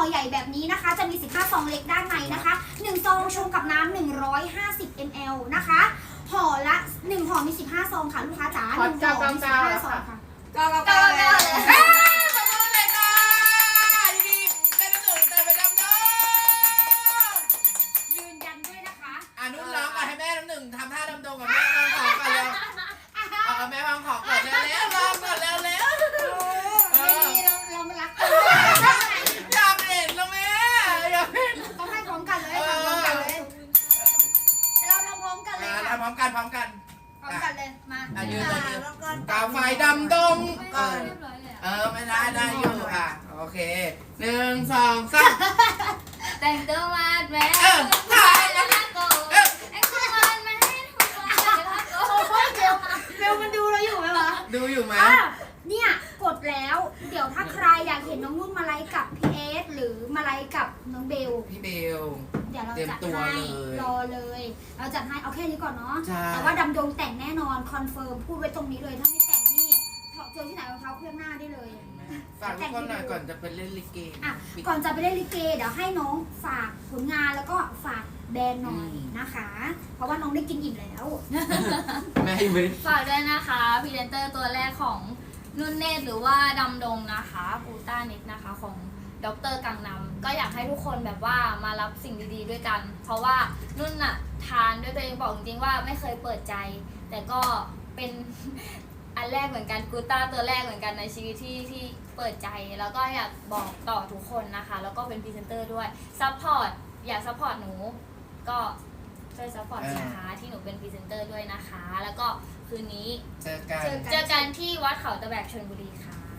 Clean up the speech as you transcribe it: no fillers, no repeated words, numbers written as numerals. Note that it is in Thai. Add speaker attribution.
Speaker 1: อใหญ่แบบนี้นะคะจะมี15ซองเล็กด้านในนะคะ1ซองชงกับน้ำ150 ml นะคะห่อละ1ห่อมี15ซองค่ะลูกค้าจ๋า1ห่อมี15ซองค่ะ
Speaker 2: ก็เลย
Speaker 3: ขอบคุณเลยค่ะดีๆได้น้ำหนึ่งแต่ไปดำดง
Speaker 1: ยืนยันด้วยนะคะ
Speaker 3: นุ่นร้องก่อนให้แม่น้ำหนึ่งทำท่าดำดงกับแม่วางของก่อนเร็วเอาแม่วางของก่อนเร็วๆลองก่อนเร็วๆ
Speaker 1: เรามารักกัน
Speaker 3: อยากเห็นแล้วแม่อยากเห็น
Speaker 1: ต้องให้พร้อมกันเลยทำพร้อมกันเลยเราทำพร้อมกันเลยค่ะ
Speaker 3: ทำพร้อมกัน
Speaker 1: พร้อมกันเลยมา
Speaker 3: ยืนเลยกาไฟดำดงไม่ได้อยู่โอเค1 2 3
Speaker 2: แต่งตัวมาแม่
Speaker 3: ถ่ายแล้ว
Speaker 2: โกไอ้คนมันไม่ให้ทุกคนเลยละโก
Speaker 1: เบลมันดูเราอยู่ไหมวะ
Speaker 3: ดูอยู่ไหม
Speaker 1: เนี่ยกดแล้วเดี๋ยวถ้าใครอยากเห็นน้องนุ่นมาไลฟ์กับพี่เอสหรือมาไลฟ์กับน้องเบล
Speaker 3: พี่เบล
Speaker 1: เดี๋ยวเรา
Speaker 3: เตรียม
Speaker 1: จัด
Speaker 3: ตัว
Speaker 1: ให้
Speaker 3: เลย
Speaker 1: รอเลยเราจัดให้เอาแค่นี้ก่อนเนาะ
Speaker 3: ใช่
Speaker 1: แต่ว่าดำดงแต่งแน่นอนคอนเฟิร์มพูดไว้ตรงนี้เลยถ้าไม่แต่งนี่เจอที่ไหนรองเท้าเครื่องหน้าได้เลย
Speaker 3: ฝากทุกคนหน่อยก่อนจะไปเล่นลิเก
Speaker 1: ก่อนจะไปเล่นลิเกเดี๋ยวให้น้องฝากผลงานแล้วก็ฝากแบรนด์หน่อยนะคะ เพราะว่าน้องได้กินอิ่มแล้ว
Speaker 3: แม่ไม่
Speaker 2: ฝากด้วยนะคะพรีเซนเตอร์ตัวแรกของนุ่นเนตรหรือว่าดำดงนะคะกูต้าเน็ตนะคะของดร.กังนำก็อยากให้ทุกคนแบบว่ามารับสิ่งดีๆด้วยกัน เพราะว่านุ่นอะทานด้วยตัวเองบอกจริงๆว่าไม่เคยเปิดใจ แต่ก็เป็น อันแรกเหมือนกันกูต้าตัวแรกเหมือนกันในชีวิตที่เปิดใจแล้วก็อยากบอกต่อทุกคนนะคะแล้วก็เป็นพรีเซนเตอร์ด้วยซัพพอร์ตอยากซัพพอร์ตหนูก็ช่วยซัพพอร์ตสินค้าที่หนูเป็นพรีเซนเตอร์ด้วยนะคะแล้วก็คืนนี้
Speaker 3: เจอกัน
Speaker 2: เจอกันที่วัดเขาตะแบกชลบุรีค่ะ